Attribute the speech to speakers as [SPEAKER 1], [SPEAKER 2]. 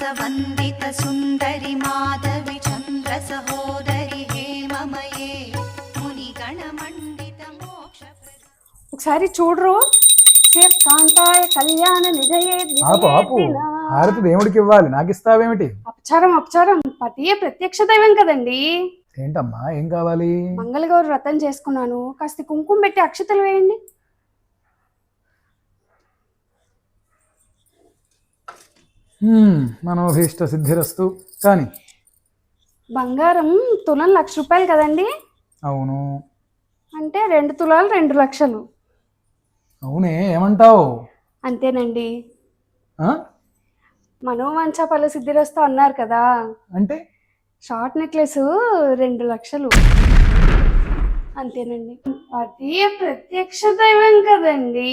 [SPEAKER 1] వందిత సుందరి మాధవి చంద్ర సహోదరి హేమమయే మునిగణ మండిత మోక్ష.
[SPEAKER 2] ఒకసారి చూడరు. కాంతాయ కళ్యాణ నిజయే.
[SPEAKER 3] ఆపు ఆపు, హారతి దేవుడికి ఇవ్వాలి, నాకు ఇస్తావేమిటి?
[SPEAKER 2] అపచారం అపచారం, పతియే ప్రత్యక్ష దైవం కదండి.
[SPEAKER 3] ఏంటమ్మా, ఏం కావాలి?
[SPEAKER 2] మంగళగౌరి వ్రతం చేసుకున్నాను, కాస్త కుంకుమ పెట్టి అక్షతలు వేయండి.
[SPEAKER 3] మనోభీష్ట సిద్ధిరస్తు. కానీ
[SPEAKER 2] బంగారం తులం 1,00,000 రూపాయలు కదండి?
[SPEAKER 3] అవును.
[SPEAKER 2] అంటే 2 తులాలు 2 లక్షలు.
[SPEAKER 3] అవునే, ఏమంటావు?
[SPEAKER 2] అంతేనండి. మనోవాంఛ ఫల సిద్ధిరస్తు అన్నారు కదా,
[SPEAKER 3] అంటే
[SPEAKER 2] షార్ట్ నెక్లెస్ 2 లక్షలు. అంతేనండి. అది ప్రత్యక్ష దైవం కదండి.